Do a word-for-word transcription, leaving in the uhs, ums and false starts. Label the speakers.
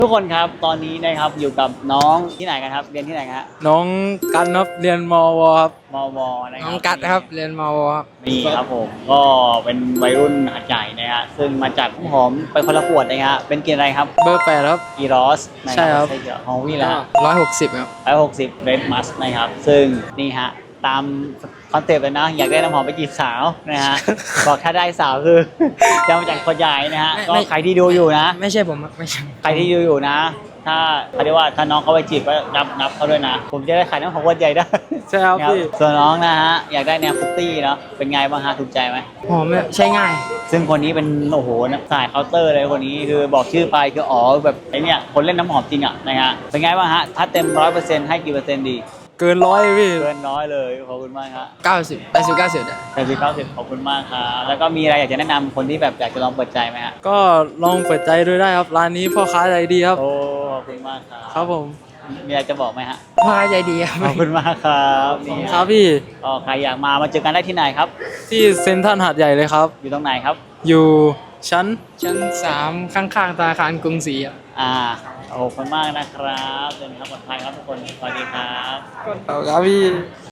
Speaker 1: ทุกคนครับตอนนี้นะครับอยู่กับน้องที่ไหนกันครับเรียนที่ไหนฮะ
Speaker 2: น้องกันครับเรียนมวครับ
Speaker 1: มวนะครับ
Speaker 2: น้องกัดครับเรียนมวครับ
Speaker 1: นี่ครับผมก็เป็นวัยรุ่นหัดใหญ่นะฮะซึ่งมาจากน้ำหอมไปคนละขวดนะฮะเป็นกินอะไรครับ
Speaker 2: เบอร์แปดครับ
Speaker 1: กีรอสนะ
Speaker 2: ใช่ครับ
Speaker 1: ใช่ฮอวี่แล้ว
Speaker 2: ร้อยหกสิบครับ
Speaker 1: ร้อยหกสิบเรดมัสนะครับซึ่งนี่ฮะตามคอนเซปต์เลยนะอยากได้น้ำหอมไปจีบสาวนะ ฮะ บอกถ้าได้สาวคือ จะมาจากคนใหญ่นะฮะ
Speaker 2: ไม่
Speaker 1: ก็
Speaker 2: ไม่
Speaker 1: ใครที่ดูอยู่นะ
Speaker 2: ไม่ใช่ผมครับไม่ใช่
Speaker 1: ใครที่ดูอยู่นะ ถ้าเขาเรียกว่าถ้าน้องเขาไปจีบก็นับนับเขาด้วยนะ ผมจะได้ขายน้ำหอมคนใหญ่ได้
Speaker 2: ใช่ครับ
Speaker 1: นะครับ
Speaker 2: พี่
Speaker 1: ส่วนน้องนะฮะอยากได้แนวฟุตตี้เนาะเป็นไงบ้างฮะถูกใจไหม
Speaker 2: หอมเนี่ยใช้ง่าย
Speaker 1: ซึ่งคนนี้เป็นโอ้โหสายเคาน์เตอร์เลยคนนี้คือบอกชื่อไปคืออ๋อแบบไอเนี่ยคนเล่นน้ำหอมจริงอ่ะนะฮะเป็นไงบ้างฮะถ้าเต็มร้อยเปอร์เซ็นต์ให้กี่เปอร์เซ็นต์ดี
Speaker 2: เกินร้อยพี่
Speaker 1: เกินน้อยเลยขอบคุณมากครับ
Speaker 2: เก้าสิบแปดสิบเก้าสิบ
Speaker 1: แปดสิบเก้าสิบขอบคุณมากครับแล้วก็มีอะไรอยากจะแนะนำคนที่แบบอยากจะลองเปิดใจไหมฮะ
Speaker 2: ก็ลองเปิดใจดูได้ครับร้านนี้พ่อค้าใจดีครับ
Speaker 1: โอ้ขอบคุณมากครับ
Speaker 2: ครับผม
Speaker 1: มีอะไรจะบอกไหมฮะ
Speaker 2: พ่อค้าใจดีครับ
Speaker 1: ขอบคุณมากครับนี่
Speaker 2: ครับพี่
Speaker 1: ก็ใครอยากมามาเจอกันได้ที่ไหนครับ
Speaker 2: ที่เซ็นทรัลหาดใหญ่เลยครับ
Speaker 1: อยู่ตรงไหนครับ
Speaker 2: อยู่ชั้นชั้นสามข้างๆธนาคารกรุงศรีครับ
Speaker 1: อ่าขอบคุณมากนะครับเดินทางปลอดภัยครับทุกคนสวัสดีครับ
Speaker 2: ครับพี่